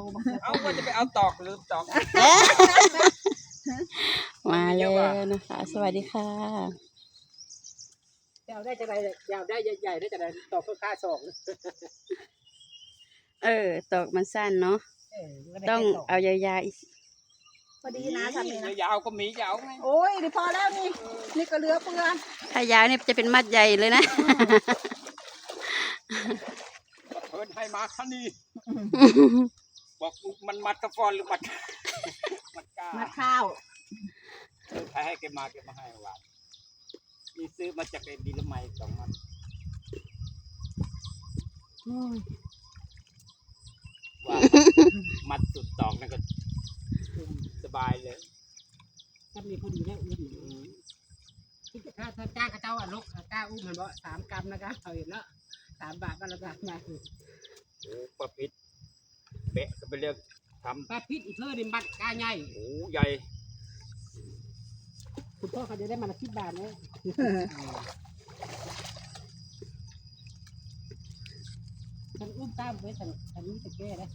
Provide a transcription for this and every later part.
เอาว่าจะไปเอาตอกหรือตอกมาแล้วนะคะสวัสดีค่ะยาวได้จะไรยาวได้ใหญ่ได้จะไรตอกค่าสองตอกมันสั้นเนาะต้องเอายาวๆอีกพอดีนะทำนี่นะยาวก็มียาวไงโอ้ยนี่พอแล้วนี่ก็เหลือเปลือกถ้ายาวเนี่ยจะเป็นมัดใหญ่เลยนะเพิ่นให้มาคันนี้บอกมันมัดกระฟอนหรือมัดกามาข้าวใครให้แกมาให้ว่ามีซื้อมาจากไอ้ดีละไม2 มันว่ามัดสุดตอกนั่นก็สบายเลยถ้ามีพอดีได้อุ้มถ้าจ้างกระเจ้าลูกกล้าอุ้มมันบ่3 กรัมนะครับเขาเห็นแล้ว3 บาทก็ระดับมาโอ้ปลาพิษเบะก็ไปเลือกทำปลาพิษอีกเท่าดิบัดกล้าใหญ่โอ้ใหญ่คุณพ่อเขาจะได้มา10 บาทเนี่ยฉันอุ้มตามไว้ฉันนี้จะแก้ได้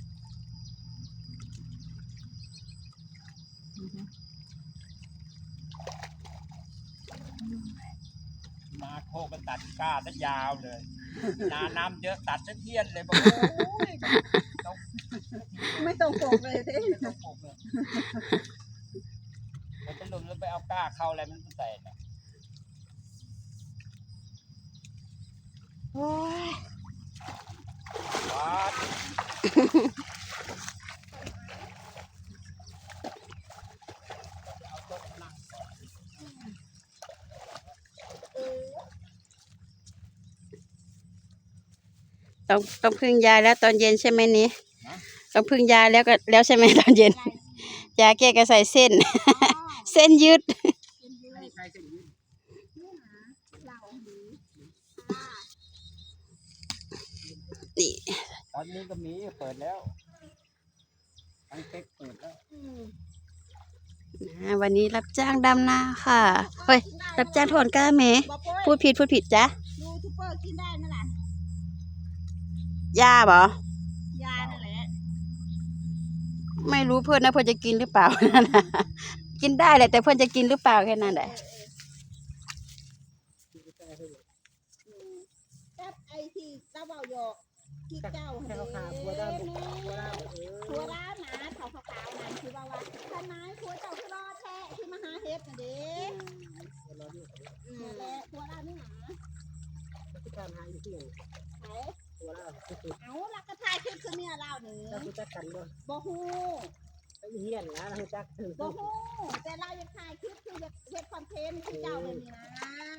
นาโคกันตัดก้าตั้งยาวเลยนาน้ำเยอะตัดตั้งเทียนเลยบอกไม่ต้องปกเลยทีมันจะหลุดแล้วไปเอาก้าเข้าอะไรมันใส่เนี่ยโอ้ยว้าต้องพึ่งยาแล้วตอนเย็นใช่ไหมนี้ต้องพึ่งยาแล้วใช่ไหมตอนเย็นยาแก้กระใส่เส้นเส้นยืดนี่ตอนนี้ก็มีเปิดแล้วทั้งเต็กเปิดแล้ววันนี้รับจ้างดำนาค่ะเฮ้ยรับจ้างถอนก้าเมพูดผิดจ้ะยูทูบเบอร์กินได้นั่นแหละยาบ่ยานั่นแหละไม่รู้เพื่อนนะเพื่อนจะกินหรือเปล่ากินได้แหละแต่เพื่อนจะกินหรือเปล่าแค่นั้นแหละกับไอที่เจ้าเบาหยอกที่เจ้าเห็นหัวร้านหนาเขาขาวนั่นคือว่าทนายหัวเจ้าคือรอแท้ที่มหาเฮ็ดน่ะเด้แหละหัวร้านนี่หนาการหาอยู่ที่ไหนเอาลักกระทายขึ้นคือเนี่ยเราหนึ่งจักกันบ่ฮู้เฮียนนะเราจักบ่ฮู้แต่เราอยากถ่ายคลิปคืออยากเฮ็ดคอนเทนต์คือเจ้าเลยนี่นะ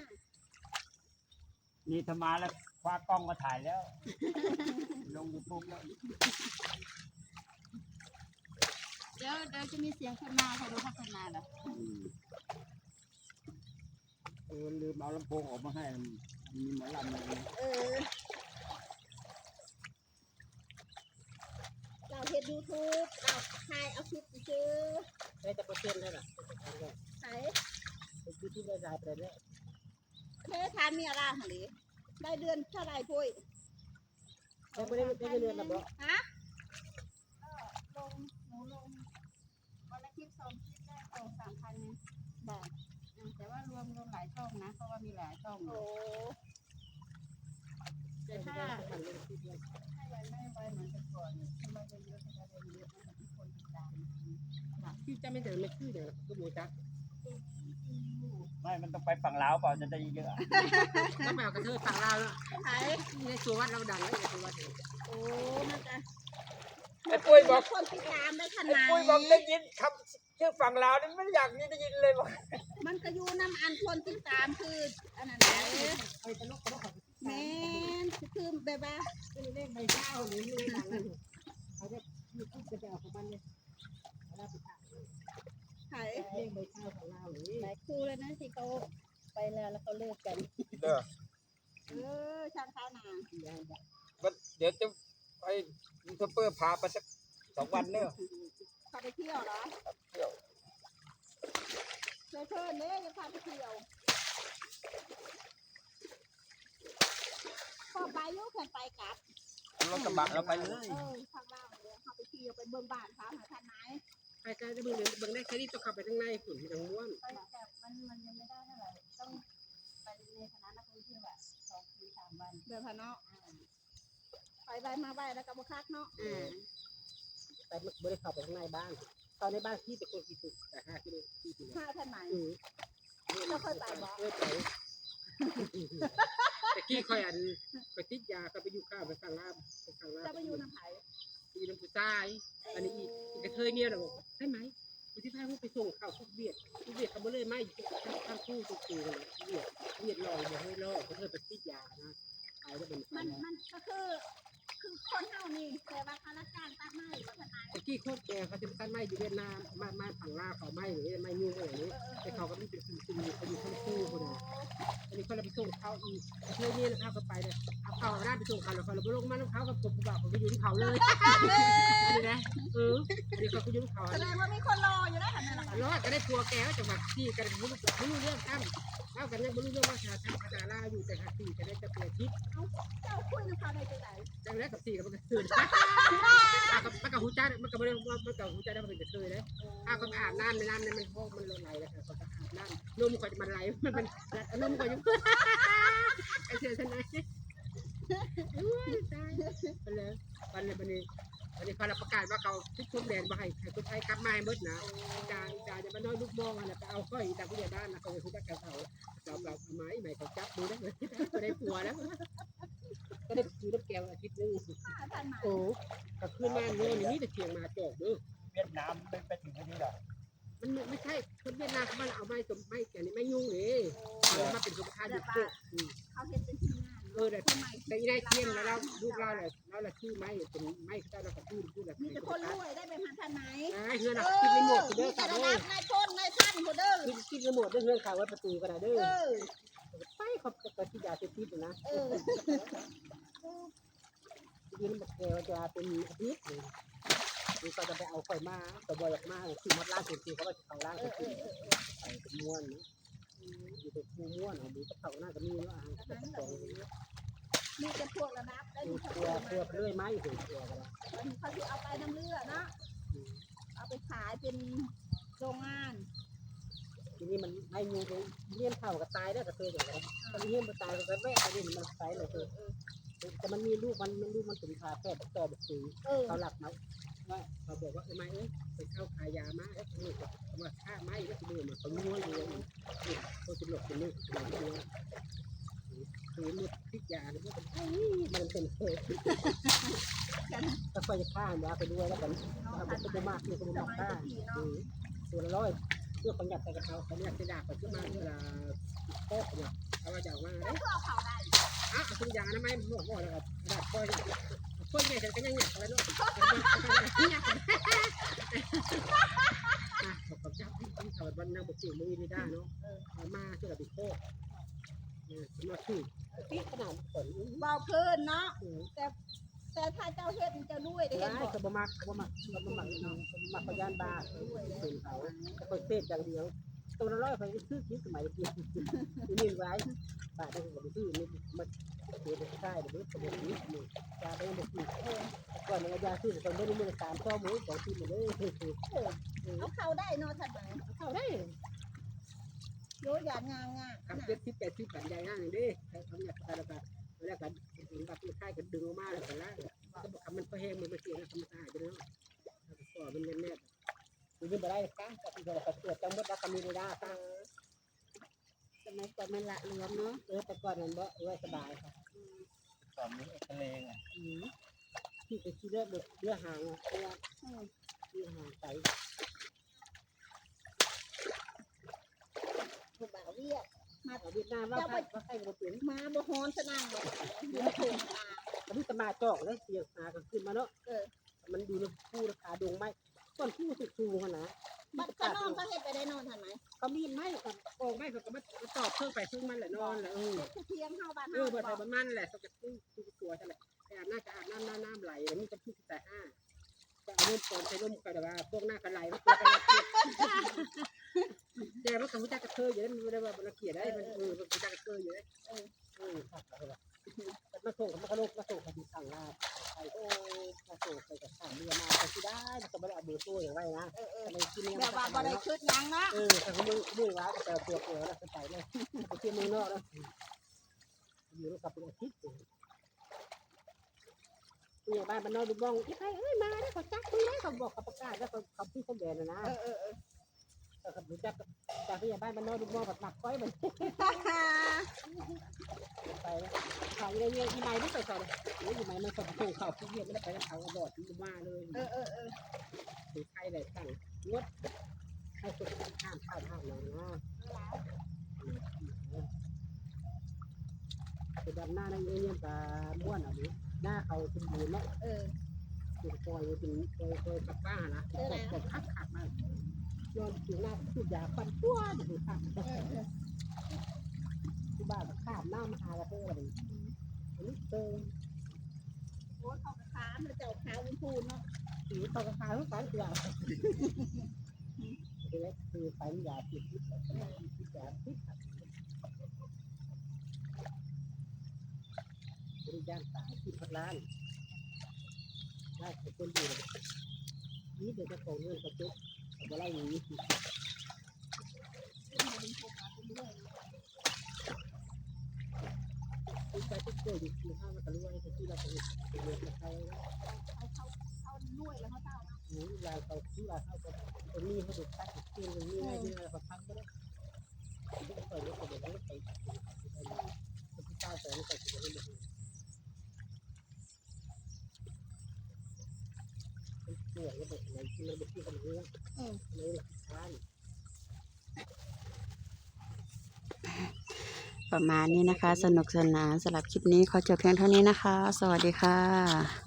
นี่ทำมาแล้วคว้ากล้องมาถ่ายแล้วลง YouTube แล้วเดี๋ยวจะมีเสียงคนมาเขาดูพัฒนาเหรอลืมเอาลำโพงออกมาให้มีหมอลำเลยเราเห็น YouTube เราถ่ายเอาคลิปซื้อได้จะเปอร์เซ็นต์ได้หรอใช่คือที่ได้รายไปเลยเคยทานมีอะไรหรือได้เดือนเท่าไรพุ้ยได้เดือนละบ่ฮะหนูลงวันละคลิป2 คลิปได้3,000เนี่ยแบบแต่ว่ารวมหลายช่องนะเพราะว่ามีหลายช่องโอ้แต่ถ้าไม่ไวเหมือนแต่ก่อนที่เราเยอะๆจะเยอะนะทุกคนติดตามที่จะไม่เดินไม่ขึ้นเดี๋ยวก็บูจักไม่มันต้องไปฝั่งลาวเปล่าจะได้เยอะถ้าแบบกระเทยฝั่งลาวแล้วใช่ในตัววัดเราดังแล้วในตัววัดโอ้มันจะไอ้ปุ้ยบอกคนติดตามได้ขนาดปุ้ยบอกได้ยินคำชื่อฝั่งลาวนี่ไม่อยากได้ยินเลยบอกมันก็อยู่น้ำอันคนติดตามคืออันนั้นแหละแม่คือแบบว่าเล่นใบเช้าหรือเล่นหลังเขาจะมีคู่จะเอาของมันเลยเราไปถ่ายเล่นใบเช้าของเราหรือหลายคู่เลยนะที่เขาไปแล้วเขาเลิกกันช่างเขาหนาเดี๋ยวจะไปยูทูบเบอร์พาไปสัก2 วันเนี่ยพาไปเที่ยวเหรอเที่ยวเชิญเนี่ยจะพาไปเที่ยวพอไปยุ่งกันไปกลับรถกระบะเราไปเลยทางเราเดี๋ยวพาไปเที่ยวเบิ่งบ้านเขาหาท่านไหนไปไกลจะเบิ่งได้แค่นี้ต้องเข้าไปข้างในฝุ่นที่ทางม้วนไปแต่มันยังไม่ได้เท่าไหร่ต้องไปในคณะนักท่องเที่ยวแบบ2 คืน 3 วันเดินผ่านเนาะไปมาไปแล้วก็บ่คักเนาะไปไม่ได้เข้าไปข้างในบ้านตอนในบ้านที่เป็นคนกี่ตุกแต่5 กิโลที่ตุกหาท่านไหนเราเคยไปบ่เคยไปแต่กี้ค่อยไปติดยาก็ไปอยู่ข้าวไปสั่งลาบไปสั่งลาบจะไปอยู่น้ำไผอยู่น้ำผู้ชายอันนี้อีกกระเทยเนี่ยเราบอกได้ไหมคุณที่พาพวกไปส่งข้าวทุกเบียดเขาไม่เลยไม่ทางคู่ตุกตูเลยเบียดลอยบ่ให้ลอยเขาเคยไปติดยานะไปแล้วเป็นมันก็คือคนเฮานี่แต่ว่าข้าราชการตัดไม้บ่ท่านไหนตะกี้โคตรแก่เขาจะตั้งไม้อยู่เวียดนามไม้ฝั่งลาวเขาไม้หรือไม้ยุ่งอะไรนี้แต่เขาก็มีเป็นคุมเขาอยู่ทั้งคู่คนนึงอันนี้เขาเลยไปส่งเขาอีกเที่ยวนี้นะครับก็ไปเลยเอาเขาหน้าไปส่งเขาแล้วเขาเลยไปลงมาแล้วเขากับผมบอกเขาไปยืนเขาเลยอันนี้นะอันนี้เขาไปยืนเขาแสดงว่ามีคนรออยู่แล้วท่านไหนล่ะรอดก็ได้ทัวแกก็จังหวัดที่กันไม่รู้เรื่องตั้งเล่ากันยังไม่รู้เรื่องว่าชาติภาษาลาวอยู่แต่หาสี่จะได้จะเปลี่ยนทิศเจ้าคุยน้ำเขาได้จังได๋จังแล้วกับสี่กับมันก็ตื่นมันกับหูจ้ามันกับมันกับหูจ้าได้มันเป็นกระเทยเลยก็อาบน้ำในน้ำเนี่ยมันห้องมันไหลแล้วค่ะเขาจะอาบน้ำนมก็จะมันไหลมันนมก็ยังไอเสียชนะตายไปเลยวันนี้เขาประกาศว่าเขาทุกคนแดนมาให้คนไทยกลับมาหมดนะจ่าจะมาน้อยลูกมองอะไรไปเอาค่อยจากผู้ใหญ่บ้านนะเขาจะคุยกับเขาเราไม้ใหม่เขาจับดูได้เลยก็ได้ผัวแล้วก็ได้ซื้อน้ำแก้วอาทิตย์นึงท่านไหนโอ้กับคืนมาโน่นนี่แต่เชียงมาจอกเด้อเวียดนามไปถึงที่นี่หรอมันไม่ใช่คนเวียดนามเขามาเอาไม้สมไม้แก่นี่ไม่ยุ่งเลยมาเป็นสุขภาพอยู่พวกเขาเฮ็ดเป็นทีมงานแต่ได้เทียนแล้วลูกเราเลยเราละชื่อไม้เป็นไม้เขาเราก็พูดแบบมีแต่คนรวยได้ไปหาท่านไหนเฮือนอ่ะกินไม่หมดเด้อมีแต่ค่ะระเด้ดัอบนายพลนายท่านผู้เด้อกินไม่หมดเด้อเฮือนข่าวไว้ประตูกันนะเด้อเออไปเขาจะที่ยาเสพติดนะเออทีนี้มันแกจะเป็นอาทิตย์นี่ก็จะไปเอาไฟมาตัวบอยออกมาคือมัดล่างสุดที่เขาว่าเขาล่างสุดที่ใส่เป็นม้วนอยู่ในคูม้วนเอาดูกระเป๋าหน้าก็มีว่าอาหารกระเป๋ามีแต่พวกระดับได้ดูมีตัวเพื่อเลื่อยไม้ถึงตัวกันเขาที่เอาไปน้ำเลือดเนาะเอาไปขายเป็นโรงงานทีนี้มันไม่ยูเลี้ยงเข่ากับตายได้กับเธออย่างไรมันเลี้ยงมันตายกับแม่อันนี้มันตายเลยเธอแต่มันมีลูกมันถึงพาแพทย์ต่อแบบสีเขาหลักมาว่าเขาบอกว่าไม่ไปเข้าขายยามาแล้วนี่ก็ว่าฆ่าไม้แล้วดูมันเขาม้วนเลยนี่เขาจะหลบเป็นนี่คือมุดพิจารณ์มันเป็นเศษถ้าไฟจะฆ่ายาไปด้วยแล้วกันเอาไปตัวมากนี่ก็มันฆ่าตัวละร้อยเพื่อประหยัดแต่กับเขาเขาอยากจะด่าไปขึ้นมาเวลาโต๊ะเนี่ยเอาว่าอย่างว่าแล้วก็เอาเขาได้คุณยานะไม่บอกว่าแล้วด่าค่อยค่อยใหญ่แต่ก็ยังหยักแล้วเนาะบอกกับเจ้าที่เขาวันนั่งบอกเสียงมือไม่ได้เนาะมาเชื่อกับบิ๊กโค้มาคือปีขนาดฝนเบาเพลินเนาะแต่ถ้าเจ้าเฮ็ดเจ้าด้วยได้เห็นได้บ่ก็บ่มักพยานบาเป็นเขาแต่คนเทศอย่างเดียวตัวละร้อยไปซื้อคิดสมัยเดียวนี่ไว้บาทได้ก็ไปซื้อนี่มันเดี๋ยวใช่เดี๋ยวสมุนนี้นี่ยาไปยังบ่ซื้อก่อนเนี่ยยาซื้อตอนนี้มือ3 ข้อมือ2ที่มาเลยเอาเขาได้เนาะท่านไหนเข้าได้โยยานงางกับ70 80กันใหญ่นั่นดิทำอย่างไรกันแล้วกันถึงแบบที่ค่ายกันดึงออกมาแล้วกันแล้วก็บอกมันก็แห้งมันเสียแล้วทำสะอาดไปแล้วก็มันแน่ๆคือบ่ได้ค่ะก็ที่เราตรวจจังหวัดแล้วก็มีเวลาค่ะสมัยก่อนมันละรวมเนาะแต่ก่อนนั้นบ่สบายค่ะตอนนี้ทะเลไงที่ไปที่เรือหางเรือหางไปๆผู้บ่าวเวียดมาเวียดนามว่าใครบ่เป็นมาบ่ฮ้อนซะนั่งเลยเดี๋ยวโผล่ตาตอนนี้ตมาจอกเลยเสียหากันขึ้นมาเนาะมันดูแล้วคู่ราคาดงไม้ต้นคู่สูงๆนะบัดเขานอนเขาเฮ็ดไปได้นอนท่านไหมเขามีไม้กับโอ่งไม้เขาก็มาตอบเพิ่งไปเพิ่งมันแหละนอนแหละคือเทียงเฮาบ้านเปิดไปประมาณแหละเขาจะคู่ตัวใช่ไหมแต่น่าจะอาบน้ำไหลแล้วมีจะคู่แต่5จะเอาร่มก่อนใช้ร่มก็แต่ว่าพวกหน้ากันไหลมันตัวกันแต่ว่าเขาจะกระเทยอยู่ได้มันไม่ได้ว่ามันเกลียดได้มันมันจะกระเทยอยู่ได้ครับมาส่งกับมาส่งคดีสั่งลาไปมาส่งไปกับข้ามเรือมาไปที่ได้มันก็ไม่ได้เอาเบอร์ตู้อย่างไรนะอะไรกินแบบว่าบ่ได้ชุดยังเนาะแต่เขาไม่ร้ายแต่ตัวเกลือแล้วไปเลยไปเที่ยวเมืองนอกแล้วอยู่กับเป็นอาทิตย์ผู้ใหญ่บ้านบ้านนอกดูบ้องใครมาได้เขาจักคุยได้เขาบอกเขาประกาศแล้วเขาพูดเขาแบนนะเขารู้จักจากผู้ใหญ่บ้านบ้านนอกดูบ้องแบบหนักก้อยเหมือนไปเขาเงี้ยอีไม้ไม่ใส่ใส่เลยอีไม้มันสมบูรณ์เขาที่เรียกไม่ได้ไปแล้วเขาบอดที่มาเลยถือใครเลยสั่งงดให้สุดห้ามข้าวห้ามเลยนะไปดำหน้าในเงี้ยปลาม้วนอะไรหน้าเขาสมบูรณ์เนาะถึงปล่อยถึงปล่อยกับป้านะกดขักมากย้อนถึงหน้าสุดยาฟันตัวดูขักที่บ้านข้ามหน้ามาหาแล้วเพื่ออะไรนี่เติมโอ้เขากระค้าเจ้าขาวพูนเนาะสีตอกระคายทุกการอย่างคือไปยาติดพิษยาพิษบริการสายที่พักร้านได้คนดีเลยนี่เดี๋ยวจะส่งเงินกระจุกเอาไปไล่หนีคุณใจทุกคนอยู่ที่ห้างมันก็รู้ว่าที่เราไปเรียนกับใครนะเขาด้วยแล้วเขาเจ้าลายเขาที่ลายเขาตรงนี้เขาดูตัดเตียงตรงนี้ง่ายที่เราพักก็ได้ที่เขาเปิดแล้วก็เดี๋ยวเขาไปที่ใต้แต่ไม่ใส่ถุงมือเกี่ยวกับอะไรที่เราไปที่กันเรื่องเลยหลักฐานประมาณนี้นะคะ สนุกสนานสำหรับคลิปนี้ขอจบเพียงเท่านี้นะคะ สวัสดีค่ะ